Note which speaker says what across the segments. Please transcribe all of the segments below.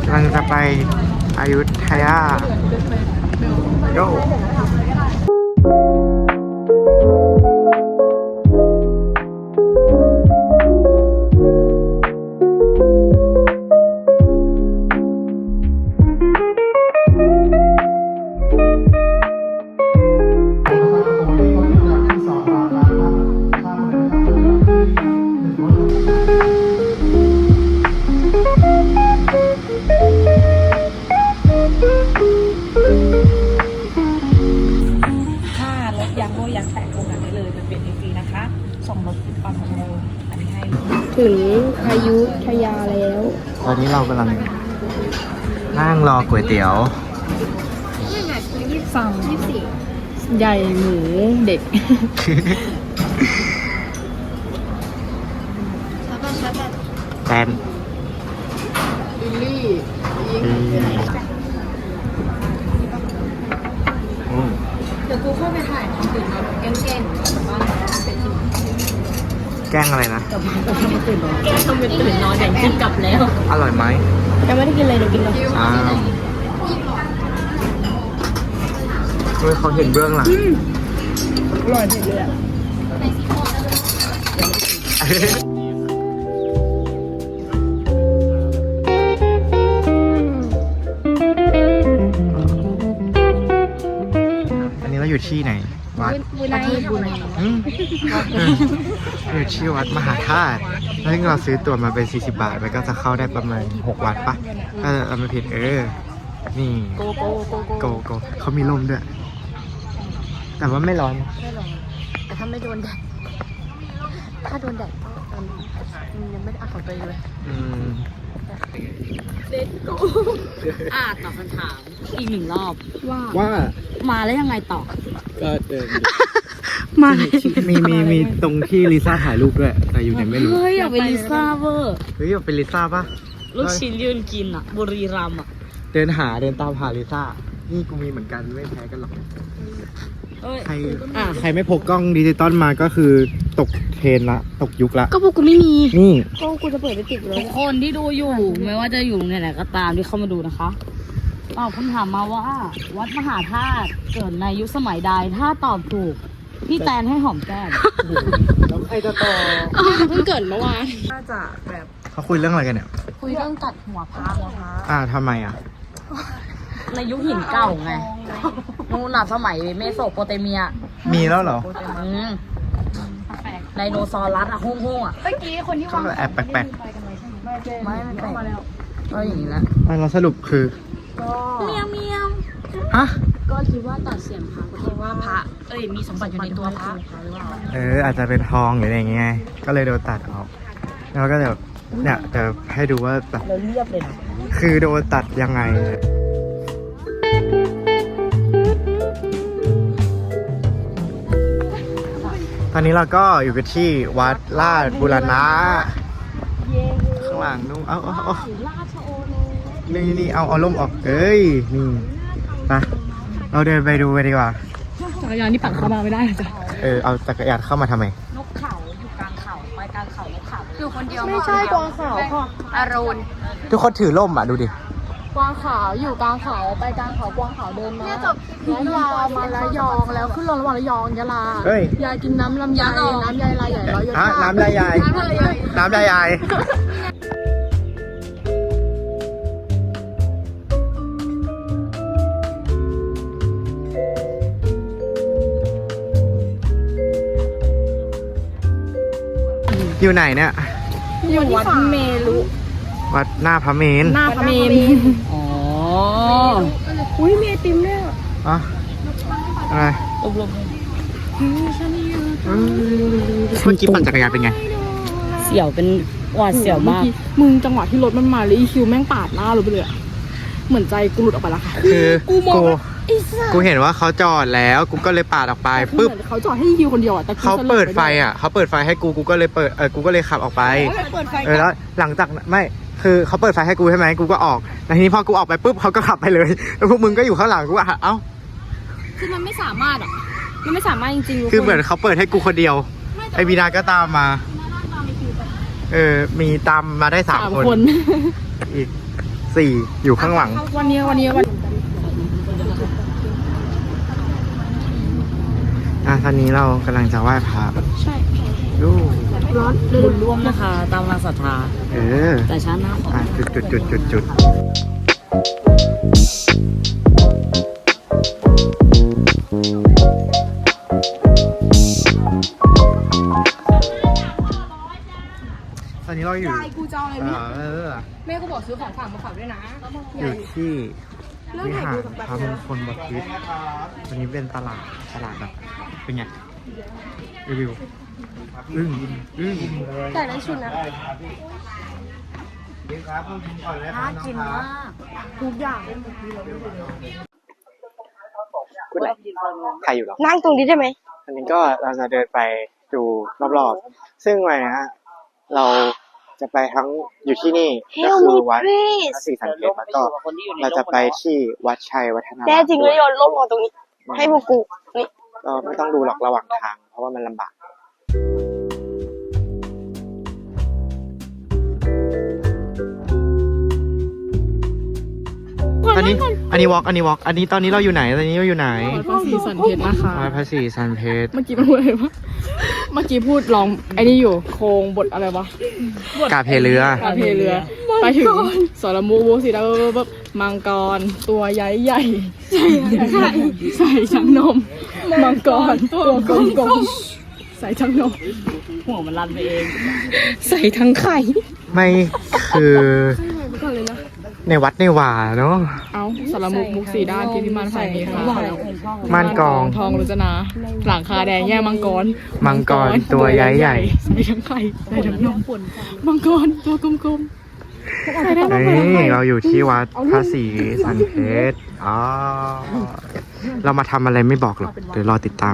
Speaker 1: กำลังจะไปอยุธยาโย
Speaker 2: ถึงอยุธยาแล้ว
Speaker 1: ตอนนี้เรากำลังนั่งรอก๋วยเตี๋ยว
Speaker 2: สั่งใหญ่หมูเด็ก
Speaker 1: แตน
Speaker 2: ลิลลี่เดี๋ยวกูเข้าไปถ่ายทำตื่นนอนแกล้งๆบ้านเป็นที่
Speaker 1: แกล้งอะไรนะ
Speaker 2: กลับมาทำตื่นนอนแกล้งทำเป็นตื่นนอนอย่างกินกลับแล้ว
Speaker 1: อร่อยไหม
Speaker 2: ยังไม่ได้กินเลยเดี๋ยวกินก่อน
Speaker 1: อ้าวเฮ้ยเขาเห็นเบื้องหลัง
Speaker 2: อร่อยเด็ดเลยอ่ะ
Speaker 1: อันนี้เราอยู่ที่ไหนวัด
Speaker 2: ประเทศบุรี
Speaker 1: อยู่ที่วัดมหาธาตุแล้วเราซื้อตั๋วมาเป็น40 บาทมันก็จะเข้าได้ประมาณ6 วัดปะเราไม่ผิดนี่โกเขามีลมด้วย แต่ว่าไม่ร้อน
Speaker 2: แต่ถ้าไม่โดนแดดถ้าโดนแดดก็ยังไม่ได้อาบไปเลยเด็ดโกตอบคำถามอีกหนึ่งรอบ
Speaker 1: ว่า
Speaker 2: มาแล้วยังไงต่อ
Speaker 1: ก็มามีตรงที่ลิซ่าถ่ายรูปด้วยแต่อยู่ไหนไม่รู้
Speaker 2: เฮ้ยอยากเป็นลิซ่าเวอร์
Speaker 1: อยากเป็นลิซ่าปะ
Speaker 2: ลูกชิ้นยืนกินอ่ะบุรีรัมย์อ่ะ
Speaker 1: เดินตามหาลิซ่านี่กูมีเหมือนกันไม่แพ้กันหรอกใครไม่พกกล้องดิจิตอลมาก็คือตกเทรนละตกยุคละ
Speaker 2: ก็พวกกูไม่มี
Speaker 1: นี่
Speaker 2: ก็กูจะเปิดไปติดเลยทุกคนที่ดูอยู่ไม่ว่าจะอยู่ไหนก็ตามที่เข้ามาดูนะคะตอบคำถามมาว่าวัดมหาธาตุเกิดในยุคสมัยใดถ้าตอบถูกพี่แตนให้หอมแก้ม
Speaker 1: แล้วใครจะต่อ
Speaker 2: เพิ่งเกิดเมื่อวานน่าจะแบบ
Speaker 1: เขาคุยเรื่องอะไรกันเนี่ย
Speaker 2: คุยเรื่องตัดหัวพระ
Speaker 1: ทำไม
Speaker 2: ในยุคหินเก่าไงนู่นน่ะสมัยเมโสโปเตเมีย
Speaker 1: มีแล้วเหรอ
Speaker 2: ไดโนเสาร์รัสอะห้องอะ
Speaker 1: เมื่อกี้คนที่วางแอบแปลก
Speaker 2: ไม่แปลกก็อย่างนี้แหละ
Speaker 1: เราสรุปคือ
Speaker 2: เมียว
Speaker 1: ฮะ
Speaker 2: ก็คิดว่าตัดเสียงพระคิดว่าพระมีสมบัติอยู่ในตัวพระ
Speaker 1: อาจจะเป็นทองหรืออะไรอย่างเงี้ยก็เลยโดนตัดออกแล้วก็แบบเนี่ยจะให้ดูว่าแบบ
Speaker 2: เราเรียบเลยนะ
Speaker 1: คือโดนตัดยังไงตอนนี้เราก็อยู่กันที่วัดราชบูรณะข้างหลังนู้นเอานี่เอาล่มออกนี่นะเราเดินไปดูไปดีกว่า
Speaker 2: จักรยานนี่ปั่นเข้ามาไม่ได้จ้ะ
Speaker 1: เอาจักรยานเข้ามาทำไม
Speaker 2: นกเขาอยู่กลางเขาไปกลางเขานกเขาอยู่คนเดียวไม่ใช่กวางขาวค่ะอรุณ
Speaker 1: ทุกคนถือล่มดูดิ
Speaker 2: กวางขาวอยู่กลางเขาไปกลางเขากวางขาวเดินมายะลามาระยองแล้วขึ้นรถระหว่างระยองยะลายายกินน้ำลำไยน้ำยายลายใหญ่ร้อยยศ
Speaker 1: น้ำลายใหญ่น้ำลายใหญ่อยู่ไหนเนี่ย
Speaker 2: อยู่วัดเมรุ
Speaker 1: วัดหน้าพระเมรุ
Speaker 2: หน้าพระเมรุอุ้ยมีไอติมด้วย
Speaker 1: อะไร
Speaker 2: ลม
Speaker 1: เมื่อกี้ปั่นจักรยานเป็นไง
Speaker 2: เสี่ยวเป็นหวาดเสี่ยวมากมึงจังหวะที่รถมันมาแล้วอีคิวแม่งปาดหน้ารถไปเลยเหมือนใจกูหลุดออกไปแล้วค่ะ
Speaker 1: คือกูเห็นว่าเขาจอดแล้วกูก็เลยปาดออกไปปุ๊บ
Speaker 2: เขาจอดให้คิวคนเดียวแต่
Speaker 1: เขาเปิดไฟเขาเปิดไฟให้กูก็เลยกูก็เลยขับออกไปแล้วหลังจากไม่คือเขาเปิดไฟให้กูใช่ไหมกูก็ออกแล้วทีนี้พอกูออกไปปุ๊บเขาก็ขับไปเลยแล้วพวกมึงก็อยู่ข้างหลังกู
Speaker 2: คือมันไม่สามารถมันไม่สามารถจริง
Speaker 1: ๆคือเหมือนเขาเปิดให้กูคนเดียวไอบีนาก็ตามมามีตามมาได้3 คนอีก 4 อยู่ข้างหลัง
Speaker 3: วันนี้
Speaker 1: ตอนนี้เรากำลังจะไหว้พระ
Speaker 3: ใช่
Speaker 1: ดู
Speaker 3: ร้อน
Speaker 2: บุญร่วมนะคะ ตามกำลังศรัทธา แต่ช้าหน้าขอ
Speaker 1: จุดตอนนี้เราอยู่
Speaker 3: ยายกูจะเอาอะไรเนี่ย
Speaker 1: เออ
Speaker 3: แม่ก็บอกซื้อของฝากมาฝากด้วยนะ
Speaker 1: อยู่ที่
Speaker 3: เลิก
Speaker 1: วิ
Speaker 3: ถ่าย
Speaker 1: หาร
Speaker 3: ดูกับ
Speaker 1: พระมงคลบพิตรวันนี้เป็นตลาดแบบเป็นไงรีวิวอึ้ง
Speaker 3: แต่ละชุดนะ
Speaker 2: น่ากินมาก
Speaker 3: ทุกอย่าง
Speaker 1: ใครอยู่หรอ
Speaker 3: นั่งตรงนี้ได้ไหม
Speaker 1: อันนี้ก็เราจะเดินไปดูรอบๆซึ่งวันนี้เราจะไปทั้งอยู่ที่นี่ก็คือวัดพระศรีสันเพชรแล้วก็เราจะไปที่วัดชัยวัฒนาราม
Speaker 3: แน่จริงเลยโยนร่มลงตรงนี้ ให้พวกกู นี่
Speaker 1: ก็ไม่ต้องดูหรอกระหว่างทาง เพราะว่ามันลำบากอันนี้วอล์กอันนี้ตอนนี้เราอยู่ไหนตอนนี้เราอยู่ไหน
Speaker 3: พระศรีสันเพชรนะคะ
Speaker 1: วัดพระศรีสันเพชร
Speaker 3: เมื่อกี้พูดอะไรวะ เมื่อกี้พูดลองไอ้นี่อยู่ โครงบทอะไรวะ
Speaker 1: กาเพเรือ
Speaker 3: กาเพเรือ ไปถึงสรมุกบูสีดาบบมังกร ตัวใหญ่ใหญ่ใส่ชังนม มังกร ตัวกลมๆใส่ชังนม
Speaker 2: หัวมันรันไปเอง
Speaker 3: ใส่ทั้งไข่
Speaker 1: ไม่คือ
Speaker 3: ก่อนเลยนะ
Speaker 1: ในวัดในวาเนาะ
Speaker 3: เอาสารมุกมุกสีด้านที่พิมานฝ่ายมีค่ะ
Speaker 1: ม่านกอง
Speaker 3: ทองรุจนา หลังคาแดงแย่มังกร
Speaker 1: มังกรตัวใหญ่
Speaker 3: ใส่ทั้งไข่ใส่ทั้งนมมังกรตัวกลมๆใส่ได้ทั้งหมด
Speaker 1: นี่เราอยู่ที่วัดพระศรีสันเพชรอ๋อเรามาทำอะไรไม่บอกหรอกเดี๋ยวรอติดตาม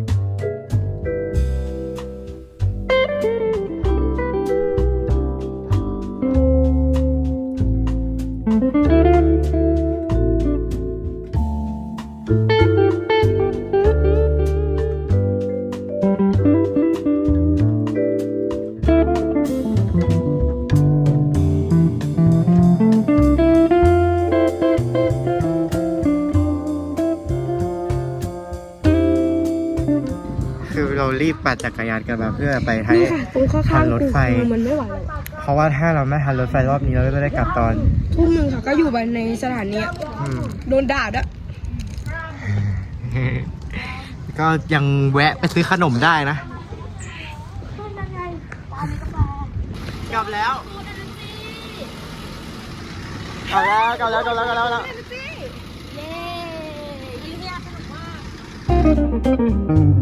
Speaker 1: คือเรารีบปั่นจักรยานกันมาเพื่อไปให้
Speaker 3: ตรงข้
Speaker 1: ทั
Speaker 3: าง
Speaker 1: น
Speaker 3: ๆ
Speaker 1: รถไฟ
Speaker 3: กูมันไม่ไหวเลย
Speaker 1: เพราะว่าถ้าเราไม่ทันรถไฟรอบนี้เราก็จะได้กลับตอน
Speaker 3: ทุ่มหนึ่งค่ะ ก็อยู่ไปในสถานีอะ
Speaker 1: อืม
Speaker 3: โดนด่าด้วย
Speaker 1: ก็ยังแวะไปซื้อขนมได้นะกลับแล้วเย้
Speaker 3: เย้